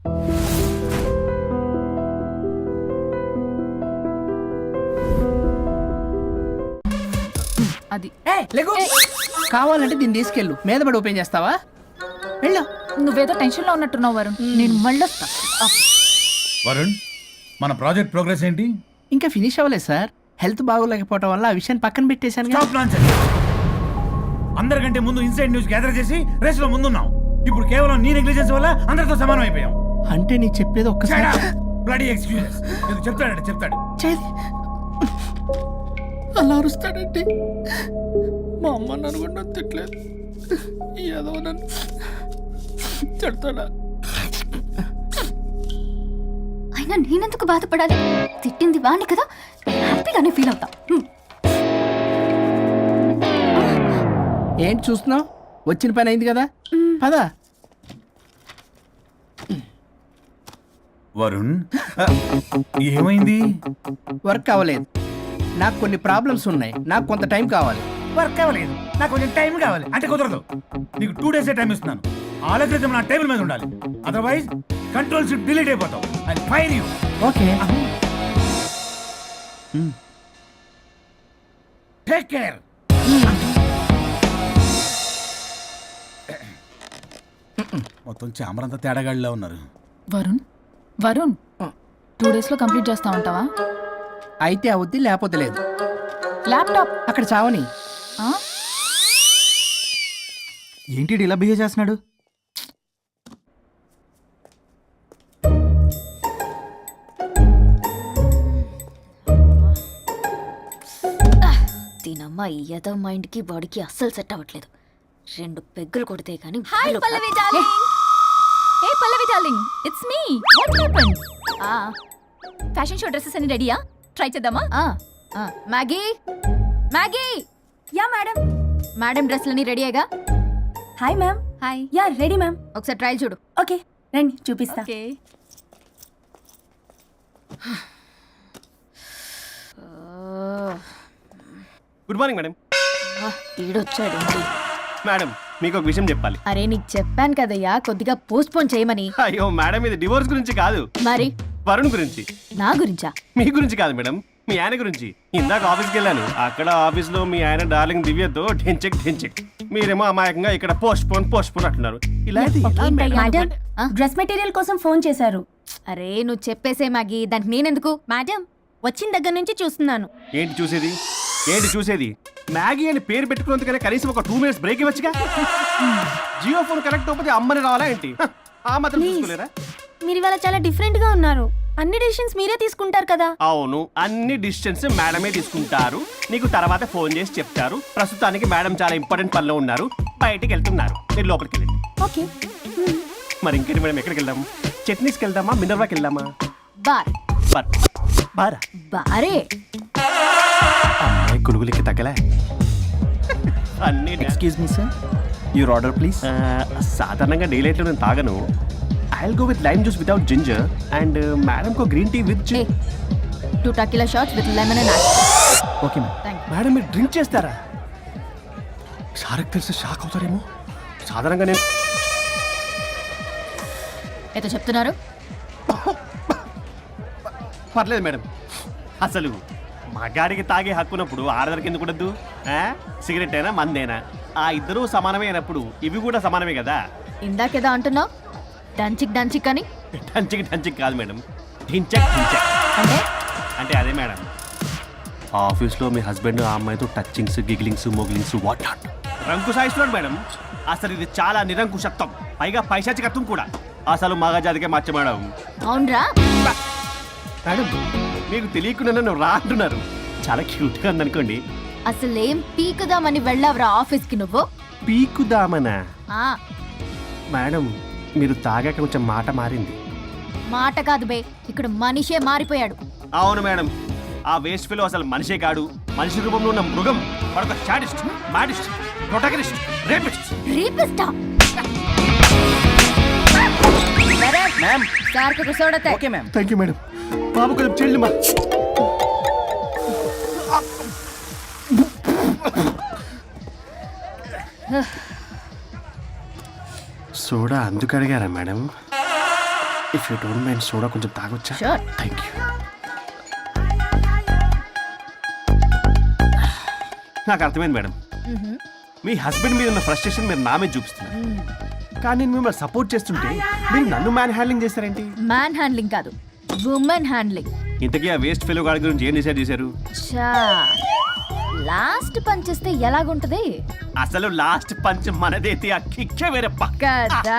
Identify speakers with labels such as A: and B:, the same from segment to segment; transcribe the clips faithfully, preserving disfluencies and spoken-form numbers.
A: అది
B: కావాలంటే దీన్ని తీసుకెళ్ళు మీద పడి ఓపెన్ చేస్తావా? వెళ్ళు.
A: నువ్వేదో టెన్షన్ లో ఉన్నట్టున్నావు వరుణ్. నేను మళ్ళీ వస్తా.
C: వరుణ్, మన ప్రాజెక్ట్ ప్రోగ్రెస్ ఏంటి?
B: ఇంకా ఫినిష్ అవ్వలేదు సార్. హెల్త్ బాగోలేకపోవడం వల్ల ఆ విషయాన్ని పక్కన పెట్టేశాను.
C: Stop nonsense. అందరికంటే ముందు ఇన్సైడ్ న్యూస్ గ్యాదర్ చేసి రేస్ లో ముందున్నాం. ఇప్పుడు కేవలం నీ నెగ్లిజెన్స్ వల్ల అందరితో సమానం అయిపోయాం.
B: అంటే నీ చెప్పేది ఒక్కసారి
C: బ్లడీ ఎక్స్క్యూజెస్. ఇది చెప్తాడంటే చెప్తాడు.
B: చేది అలా అరుస్తాడంటే మా అమ్మ నన్ను కూడా తిట్టలేదు. ఏదో నన్ను తిడతాడా?
D: అయినా నేనెందుకు బాధపడాలి? తిట్టింది వాణ్ణి కదా, హ్యాపీగానే ఫీల్ అవుతా.
B: ఏంటి చూస్తున్నావు? వచ్చిన పని అయింది కదా, పదా.
C: వరుణ్, ఏమైంది?
B: వర్క్ అవ్వలేదు. నాకు కొన్ని ప్రాబ్లమ్స్ ఉన్నాయి. నాకు కొంత టైం కావాలి.
C: వర్క్ అవ్వలేదు, నాకు కొంచెం టైం కావాలి అంటే కుదరదు. నీకు టూ డేస్ టైం ఇస్తున్నాను. ఆలోచించడం నా టేబుల్ మీద ఉండాలి. అదర్వైజ్ కంట్రోల్ షిప్ డిలీట్ అయిపోతావు. I fire you.
B: Okay,
C: take care. మొత్తం చామరంతా తేడాగాడిలా ఉన్నారు.
A: వరుణ్ వరుణ్ టూ డేస్ లో కంప్లీట్ చేస్తా ఉంటావా?
B: అయితే అవుద్ది, లేకపోతే లేదు.
A: ల్యాప్టాప్
B: అక్కడ చావని.
A: ఆ?
E: ఏంటి ఇలా బిహేవ్ చేస్తున్నాడు?
D: దీనమ్మ ఈ యదో మైండ్ కి బాడీకి అస్సలు సెట్ అవ్వట్లేదు. రెండు పెగ్గులు కొడితే కానీ.
A: Hi Pallavi darling. Hey Pallavi darling, it's me. What happened? ఆ ఫ్యాషన్ షో డ్రెస్సెస్ అన్ని రెడీయా? ట్రై చేద్దామా? ఆ ఆ Maggie Maggie.
F: Yeah madam.
A: Madam డ్రెస్లన్నీ రెడీ అయ్యగా?
F: Hi ma'am.
A: Hi.
F: Yeah ready ma'am.
A: ఒకసారి ట్రయల్ చూడు.
F: ఓకే రండి చూపిస్తా.
A: ఓకే.
G: Good morning madam.
D: ఈడొచ్చాడు.
G: మేడం మీకు ఒక విషయం చెప్పాలి.
D: అరే నీకు చెప్పాను కదయ్యా కొద్దిగా పోస్ట్ పోన్ చేయమని.
G: అయ్యో మేడం, ఇది డివోర్స్ గురించి కాదు,
D: మరి
G: వరుణ్ గురించి.
D: నా గురించా?
G: మీ గురించి కాదు మేడం, మీ ఆయన గురించి. ఇందాక ఆఫీస్కి వెళ్ళాను. అక్కడ ఆఫీస్ లో మీ ఆయన డార్లింగ్ దివ్యతో ఢెంచెక్ ఢెంచెక్, మీరేమో అమాయకంగా ఇక్కడ పోస్ట్ పోన్ పోస్ట్ పోన్ అంటున్నారు. ఇలా అయితే ఎలా మేడం?
F: మేడం డ్రెస్ మెటీరియల్ కోసం ఫోన్ చేశారు.
D: అరే నువ్వు చెప్పేసే మ్యాగీ, దానికి నేనెందుకు?
F: మేడం వచ్చిన దగ్గర నుంచి చూస్తున్నాను.
G: ఏంటి చూసేది? ఏంటి చూసేది? మ్యాగీ అని పేరు పెట్టుకున్నందుకనే కనీసం ఒక టూ మినిట్స్ బ్రేక్ ఇవ్వచ్చుగా. జియో ఫోన్ కనెక్ట్ అవ్వకపోతే అమ్మని రావాలా ఏంటి? ఆ మాత్రం చూసుకోలేరా?
F: మీరు ఇవాళ చాలా డిఫరెంట్ గా ఉన్నారు. అన్ని డిసిషన్స్ మీరే తీసుకుంటారు కదా.
G: అవును, అన్ని డిసిషన్స్ మేడమే తీసుకుంటారు. నీకు తర్వాత ఫోన్ చేసి చెప్తారు. ప్రస్తుతానికి మేడం చాలా ఇంపార్టెంట్ పనిలో ఉన్నారు, బయటికి వెళ్తున్నారు. మీరు లోపలికి వెళ్ళండి.
F: ఓకే.
G: మరి ఇంకేంటి మేడం, ఎక్కడికి వెళ్దాం? చట్నీస్కి వెళ్దామా, మినర్వాకి వెళ్దామా?
D: బార్.
G: బార్. బారా?
D: బారే.
G: అమ్మాయి కులుగులకి తగ్గలే. అన్ని
E: excuse me sir, your order please.
G: సాధారణంగా డే లైట్లో నేను తాగను. I will go with lime juice without ginger and madam కో green tea with
D: two tequila shots with lemon and
E: okay ma'am.
G: Madam మీరు డ్రింక్ చేస్తారా? సార్కి తెలిసి షాక్ అవుతారేమో. సాధారణంగా నేను
D: ఏదో చెప్తున్నారు.
G: పర్లేదు మేడం. అసలు మగాడికి తాగే హక్కున్నప్పుడు ఆడదరికి ఎందుకు ఉండద్దు? సిగరెట్ అయినా మందేనా ఆ ఇద్దరూ సమానమే అయినప్పుడు ఇవి కూడా సమానమే కదా.
D: ఇందాకేదో అంటున్నావు డంచిక్ డంచిక్ అని.
G: డంచిక్ డంచిక్ కాదు మేడం, ఢించక్ ఢించక్.
D: అంటే
G: అంటే అదే మేడం, ఆఫీస్లో మీ హస్బెండ్ ఆ అమ్మాయితో touchings gigglings mogglings what not రంకు సాయిస్తున్నాడు మేడం. అసలు ఇది చాలా నిరంకుశత్వం, పైగా పైశాచికత్వం కూడా. అసలు మగజాతికే మచ్చ మేడం.
D: అవునరా
G: మేడం మీకు తెలియకుండా నన్ను రా అంటున్నారు. చాలా క్యూట్గా ఉందనుకోండి.
D: అసలేం పీకుదామని వెళ్ళావురా ఆఫీస్కి నువ్వు?
G: పీకుదామనా?
D: ఆ
G: మేడం మీరు తాగాక కొంచెం మాట మారింది.
D: మాట కాదు బే, ఇక్కడ మనిషే మారిపోయాడు.
G: అవును మేడం, ఆ వేస్ట్ ఫెలో అసలు మనిషే కాడు, మనిషి రూపంలో ఉన్న మృగం. మరొక షాడిస్ట్, మాడిస్ట్, ప్రొటగనిస్ట్, రేపిస్ట్.
D: రేపిస్టా?
E: మ్యామ్.
D: సార్కు కూర్చోడతే.
E: Okay ma'am.
G: Thank you madam. బాబు కొంచెం చెల్లి మా సోడా అందుకు అడిగారా మేడం? If you don't mind soda కొంచెం తాగొచ్చా?
A: Sure.
G: Thank you. నాకు అర్థమైంది మేడం. మీ హస్బెండ్ మీద ఉన్న ఫ్రస్ట్రేషన్ మీరు నా మీద చూపిస్తున్నారు. కానీ నేను మిమ్మల్ని సపోర్ట్ చేస్తుంటే మీరు నన్ను మ్యాన్ హ్యాండ్లింగ్ చేస్తారేంటి?
A: మ్యాన్ హ్యాండ్లింగ్ కాదు, ఉమెన్ హ్యాండ్లింగ్.
G: ఇంతకీ ఆ వేస్ట్ ఫెలో గాడి గురించి ఏం డిసైడ్ చేశారు?
A: చా లాస్ట్ పంచ్ చేస్తే ఎలాగుంటది
G: అసలు లాస్ట్ పంచ్ మనదైతే ఆ కిక్కే వేరప్ప
A: కదా.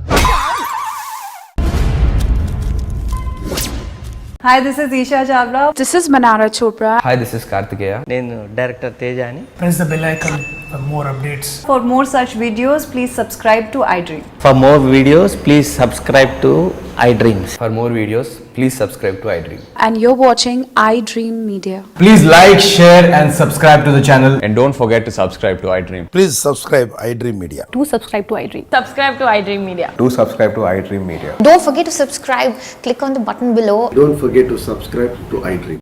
H: Hi, this is Isha Chavla.
I: This is Manara Chopra.
J: Hi, this is Kartikeya.
K: నేను డైరెక్టర్ తేజ అని.
B: Press the bell icon for more updates.
H: For more such videos, please subscribe to iDream.
K: For more videos, please subscribe to iDreams.
J: For more videos, please subscribe to iDream.
I: And you're watching iDream Media.
J: Please like, share, and subscribe to the channel. And don't forget to subscribe to iDream.
L: Please subscribe iDream Media.
I: Do subscribe to iDream.
H: Subscribe to iDream Media.
J: Do subscribe to iDream Media.
D: Don't forget to subscribe. Click on the button below.
L: Don't forget to subscribe to iDream.